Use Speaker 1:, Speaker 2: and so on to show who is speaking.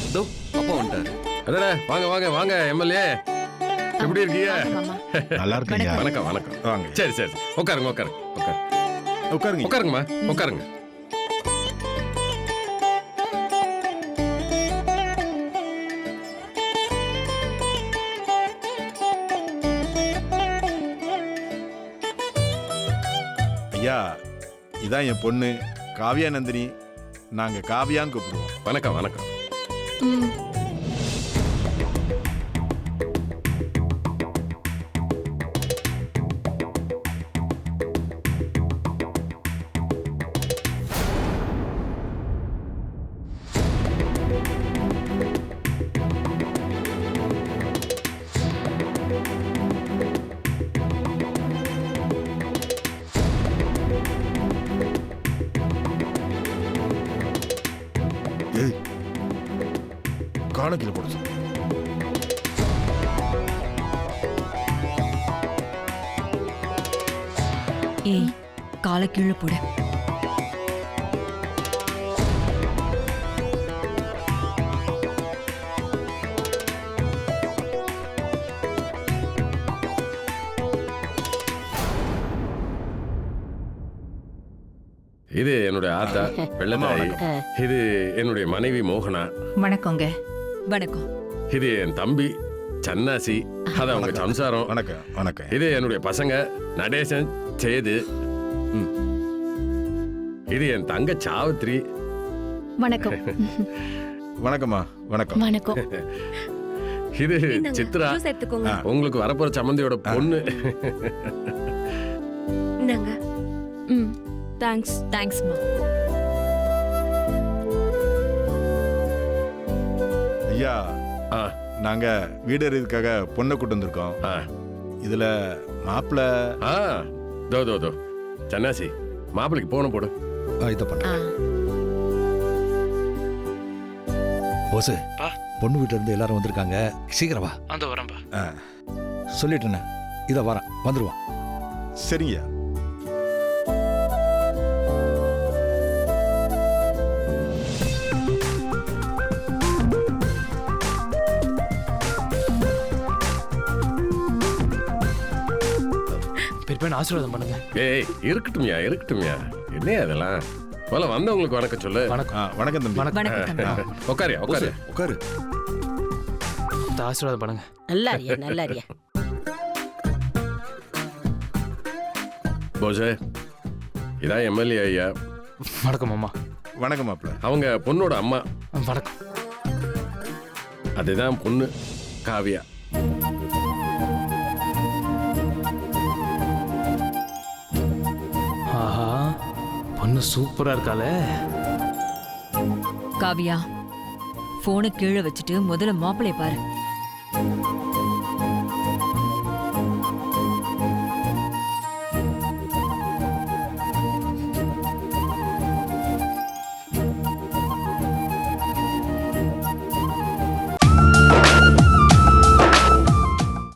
Speaker 1: தோ அப்பா வந்துட்டாரு.
Speaker 2: அடடே வாங்க வாங்க வாங்க எம்எல்ஏ, எப்படி இருக்கீங்க?
Speaker 3: நல்லா இருக்கீங்க.
Speaker 2: வணக்கம் வணக்கம்.
Speaker 3: வாங்க.
Speaker 2: சரி சரி உட்காருங்க உட்காருங்க
Speaker 3: உட்காருங்க.
Speaker 2: உட்காருங்கம்மா உட்காருங்க.
Speaker 3: ஐயா, இதான் என் பொண்ணு காவியா நந்தினி. நாங்க காவியான்னு கூப்பிடுவோம்.
Speaker 2: வணக்கம் வணக்கம்.
Speaker 3: ஏய், காணக்கில போட சொல்லு.
Speaker 4: ஏய், காலை கீழே போடு.
Speaker 2: இது என்னுடைய ஆத்தா வெள்ளத்தாயி. இது என்னுடைய மனைவி மோகனா.
Speaker 5: வணக்கங்க.
Speaker 4: வணக்கம்.
Speaker 2: இது என் தம்பி சன்னாசி, அது அவங்க சம்சாரம்.
Speaker 3: வணக்கம் வணக்கம்.
Speaker 2: இது என்னுடைய பசங்க நடேசன் சேது. இது என் தங்க சாவித்ரி.
Speaker 5: வணக்கம்.
Speaker 3: வணக்கம்மா. வணக்கம்.
Speaker 5: வணக்கம்.
Speaker 2: இது சித்ரா, உங்களுக்கு வரப்போற சம்மந்தியோட பொண்ணு.
Speaker 4: தேங்க்ஸ். தேங்க்ஸ்மா.
Speaker 3: ஐயா,
Speaker 2: ஆ,
Speaker 3: நாங்க வீடு அறியதுக்காக பொண்ணை கூட்டு வந்திருக்கோம்.
Speaker 2: ஆ,
Speaker 3: இதுல மாப்பிள்ள
Speaker 2: ஆ, தோ தோ தோ சன்னாசி, மாப்பிளைக்கு போன போடு.
Speaker 6: இதை பண்ண போஸ், பொண்ணு வீட்டுல இருந்து எல்லாரும் வந்திருக்காங்க. சீக்கிரம் வா.
Speaker 1: அந்த வரம்பா.
Speaker 6: சொல்லிட்டேண்ணே, இதை வரேன், வந்துருவான்.
Speaker 3: சரிங்கய்யா.
Speaker 1: பெரியப்பா ஆசீர்வாதம் பண்ணுங்க.
Speaker 2: ஏய் இருக்கட்டும்யா இருக்கட்டும்யா, என்ன அதெல்லாம். போல வந்தவங்களுக்கு வணக்கம் சொல்லு.
Speaker 1: வணக்கம்.
Speaker 3: வணக்கம் தம்பி.
Speaker 4: வணக்கம் தம்பி.
Speaker 2: உட்காரியா உட்காரு.
Speaker 6: உட்காரு.
Speaker 1: ஆசீர்வாதம் பண்ணுங்க.
Speaker 5: நல்லாரியா நல்லாரியா.
Speaker 2: போசே, இதான் எம்எல்ஏ ஐயா.
Speaker 1: வணக்கம் அம்மா.
Speaker 3: வணக்கம் மாப்பிள்ள.
Speaker 2: அவங்க பொண்ணோட அம்மா.
Speaker 1: வணக்கம்.
Speaker 2: அதுதான் பொண்ணு காவியா.
Speaker 1: ஆஹா, பொண்ணு சூப்பரா இருக்காளே.
Speaker 4: காவியா, போனை கீழே வச்சுட்டு முதல்ல மாப்பிளைய பாரு.